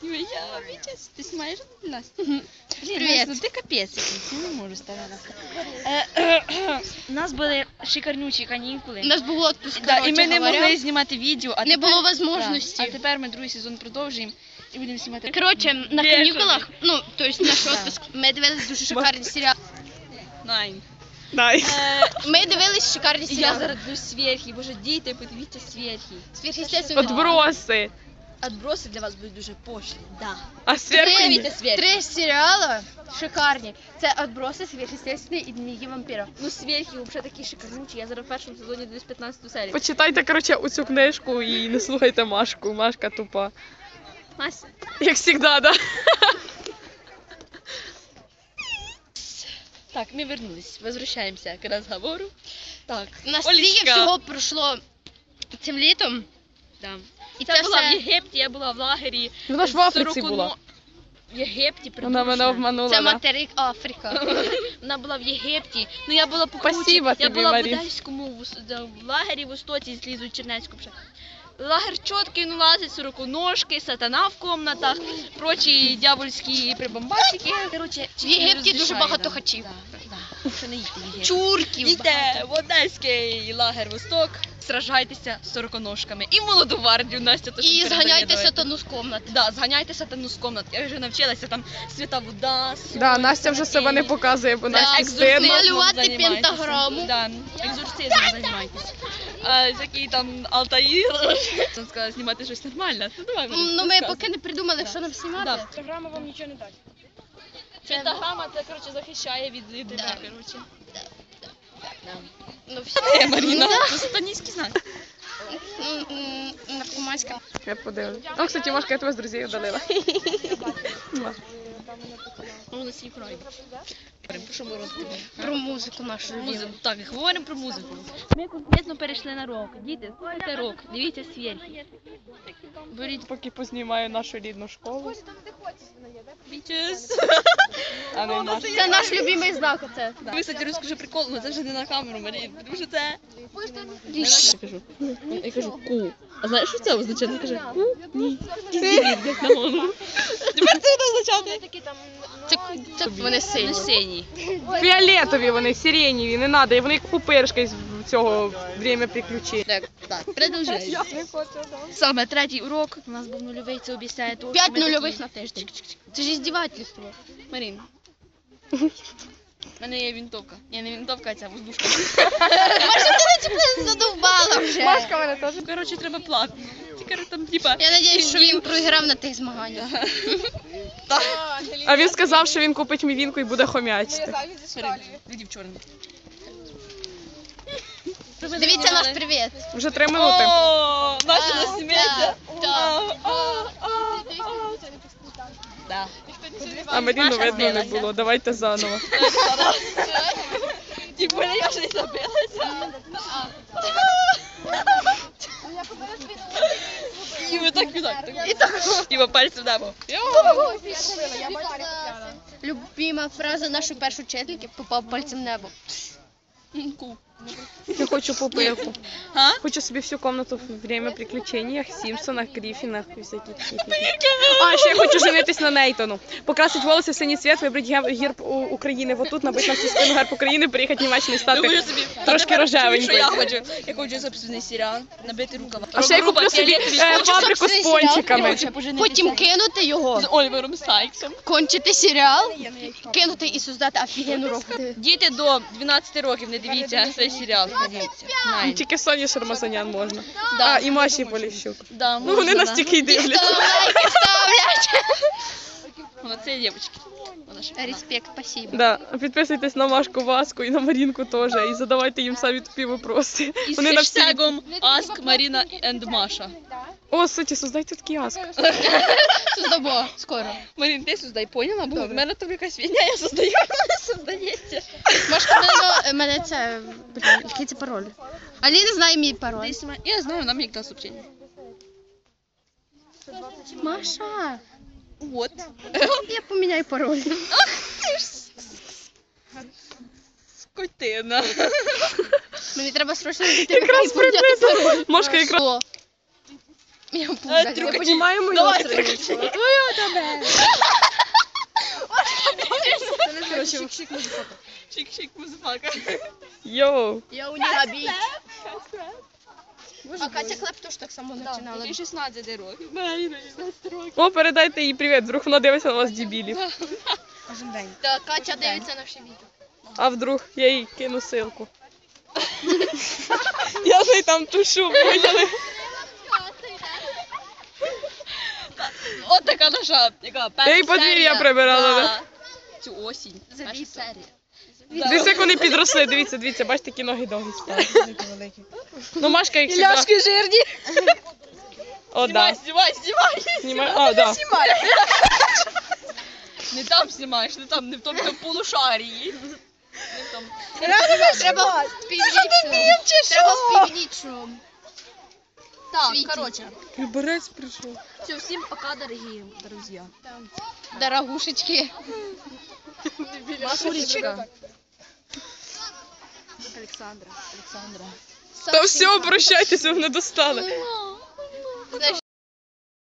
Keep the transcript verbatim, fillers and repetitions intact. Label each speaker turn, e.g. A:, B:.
A: Я, Витя, ты снимаешь нас?
B: Привет.
A: Ну ти капець якийсь, я не можу ставити. У нас були шикарнючі канікули.
B: У нас був отпуск,
A: Да, і ми не
B: говоря.
A: могли знімати відео. А
B: Не
A: тепер,
B: було можливості.
A: Да, а тепер ми другий сезон продовжуємо і будемо знімати.
B: Коротше, на
A: Бешений.
B: канікулах, ну, тобто наш
A: Да.
B: отпуск, ми дивились дуже шикарні серіали.
A: Найн.
C: Дай.
B: Ми дивились шикарні
A: Я
B: серіали.
A: зараз дивлюсь сверхи. Боже, діти, подивіться сверхи.
B: Сверхъестественне.
C: Отброси.
A: Отброси для вас будуть дуже пошлі. Да.
C: А сверху
B: Три,
C: ні.
B: три серіали шикарні. Це «Отброси», «Сверхъестественне» і «Дневники вампира».
A: Ну сверхи взагалі такі шикарнючі. Я зараз в першому сезоні дивлюсь п'ятнадцяту серію.
C: Почитайте, коротше, оцю книжку і не слухайте Машку. Машка тупа.
A: Настя.
C: Як завжди, да?
A: Так, мы вернулись. Возвращаемся к разговору. Так,
B: У нас
A: Олечка.
B: стільки всього пройшло цим літом.
A: Да.
B: І
A: Це
B: це
A: була в
B: все...
A: Єгипті, я була в лагері.
C: Вона ж в Африці
A: сорок
C: була.
A: В Єгипті
C: Вона мене
A: придурочна.
C: обманула,
B: Це
C: да?
B: материк Африка.
A: Вона була в Єгипті. Ну я була по кручі.
C: Спасибо
A: Я
C: тобі,
A: була в
C: Марі.
A: Одеському, в, Ос- да, в лагері в Остоці, злізу Чернецьку. вже. Лагер чіткий, ну лазить, сороконожки, сатана в комнатах, прочі дьявольські прибамбасики. Короче,
B: В Єгипті дуже
A: розрішає,
B: багато
A: да.
B: хачів.
A: Да, да. Що не їдьте в Єгипет.
B: Чурків.
A: Йдете в Одеський лагер Восток, сражайтеся з сороконожками. І в молоду гвардію, Настя теж
B: І
A: передає,
B: зганяйте
A: давайте.
B: сатану з комнати.
A: Да, зганяйте сатану з комнат. Я вже навчилася там свята вода,
C: Да, Настя вже себе не показує, бо Насті стидно.
B: Малювати пентаграму.
A: Да, екзорцизмом займайтесь. А який там Алтаїр, він сказав знімати щось нормальне. Ну давай, Марі,
B: Ну, ми
A: розказуй.
B: поки не придумали, що нам знімати.
A: Да. Пентаграма вам нічого не дасть. Пентаграма це, коротше, захищає від тебе,
B: Да.
A: коротше.
B: Ну, все.
A: Е, Маріна, це сатаністський знак.
B: М, м, Наркоманська.
C: Я подивлюсь. О, кстати, Машка, я тебе з друзів удалила.
A: Ну, на свій край. Про що ми розповідаємо?
B: Про музику нашу.
A: Музику. Так, говоримо про музику. Ми конкретно перейшли на рок. Діти, слухайте рок, дивіться сверхи. Беріть
C: Поки познімаю нашу рідну школу.
A: пічес.
C: А не нашу.
B: Це наш любимий знак, оце.
A: Ви, кстати, розкажу прикол, але це вже не на камеру, Марія, тому що це... Я кажу, я кажу ку. А знаєш, що це означає? Вона каже ку? Ні. Ізі, як на голову. Тепер це буде означати.
B: Це, це вони сині.
A: Синій.
C: Фіолетові вони, сиренєві, не треба. І вони як пупиршка з цього время приключень.
A: Так, так, продовжуємо. Саме третій урок, у нас був нульовий, це обіцяє того,
B: П'ять
A: що ми
B: нульових
A: такі-
B: на тиждень. Це ж іздівательство.
A: Марін. У мене є винтовка. Ні, не винтовка, а ця воздушка.
B: Маша, ти мене задовбала вже.
C: Машка мене теж.
A: Коротше, треба платно. Тільки там, типа...
B: Я сподіваюся, що він програв на тих змаганнях.
C: А він сказав, що він купить мівінку і буде хомячити.
A: Видів чорний.
B: Дивіться наш привіт.
C: Вже три минути.
A: О, Настя
B: А,
A: не сміється.
B: так,
A: Да.
C: А Маріну
A: Маша
C: видно не
A: збилася.
C: було. Давайте заново.
A: Типу, я ж не забилася. І ви так, і так. І так. Типа пальцем небо.
B: Любима фраза нашої першої вчительки – попав пальцем в небо.
A: Ку.
C: Я хочу пупирку.
A: А?
C: Хочу собі всю комнату в время приключениях, Сімпсонах, Гріфінах і всякі такі. А, ще я хочу женитись на Нейтону. Покрасить волоси в синій цвіт, вибрати герб, герб у- України вот тут, набити на всю спину герб України, приїхати в Німеччину і
A: Думаю
C: стати
A: собі.
C: трошки
A: Тепер чую,
C: рожевенькою.
A: що я хочу. Я хочу собственний серіал, набити рукава.
C: А ще я куплю собі е, фабрику з пончиками.
B: Потім кинути його,
A: З Олівером Сайксом.
B: кончити серіал, кинути і создати офігенну роботу.
A: Діти до дванадцяти років не дивіться цей серіал. Дивіться. Найн.
C: Тільки Соні Шармазанян можна.
A: Да.
C: А, і Маші Поліщук.
A: Да,
C: Ну вони
A: можна,
C: нас тільки й дивляться.
B: Лайки ставлять.
A: Вона це дівчатки. Вона ж.
B: Респект, спасибо.
C: Да. Підписуйтесь на Машку Васку і на Марінку теж. І задавайте їм самі тупі вопроси.
A: І з
C: Вони на всі...
A: хештегом Ask Marina and Masha.
C: О, суті, создайте такий аск.
B: Создамо, скоро.
A: Марін, ти создай, поняла? Бо в мене там якась фігня, я создаю, вона не создається.
B: Машка, мене, мене це, блін, який це пароль? Аліна знає мій пароль.
A: Десь ма- Я знаю, нам як дала сообщення.
B: Маша,
A: Вот.
B: я поміняю пароль.
A: Скотина.
B: Мені треба срочно зайти
C: Якраз
B: і поміняти
C: приблизно.
B: пароль.
C: Машка якраз...
B: О. Я
A: Е, трюкачі.
C: Я понімаю мою
A: Давай,
C: страницю.
A: трюкачі.
C: Твою тебе. Короче,
A: Чик-чик, музифака.
C: йоу.
B: Я у нього бій. А Катя Клеп теж так само починала.
A: Тобі шістнадцять років. шістнадцять років.
C: О, передайте їй привіт, вдруг вона дивиться на вас, дебілів.
B: Та Катя дивиться на всі відео.
C: А вдруг я їй кину ссылку. Я ж там тушу, поняли?
A: От така наша, яка перша
C: Я їй подвір'я
A: серія
C: прибирала,
A: за
C: да?
A: цю осінь.
B: За
A: Перша
B: дві
A: серія.
B: серії.
C: Дивіться, як вони підросли, дивіться, дивіться, бачите, які ноги довгі стали. Ну, Машка їх
A: Ляшки
C: завжди...
A: жирні.
C: О, да.
A: Знімай, знімай, знімай.
C: Знімай. А, да.
A: Не там знімаєш, не там, не в тому там полушарії. Не в тому.
B: Треба співнічно. Треба співнічно.
A: Так,
B: Світі.
A: коротше.
C: Люберець прийшов.
A: Все, всім пока, дорогі друзі.
B: Дорогушечки.
A: Машулечка. Олександра, Олександра.
C: Та все, прощайтеся, ви не достали.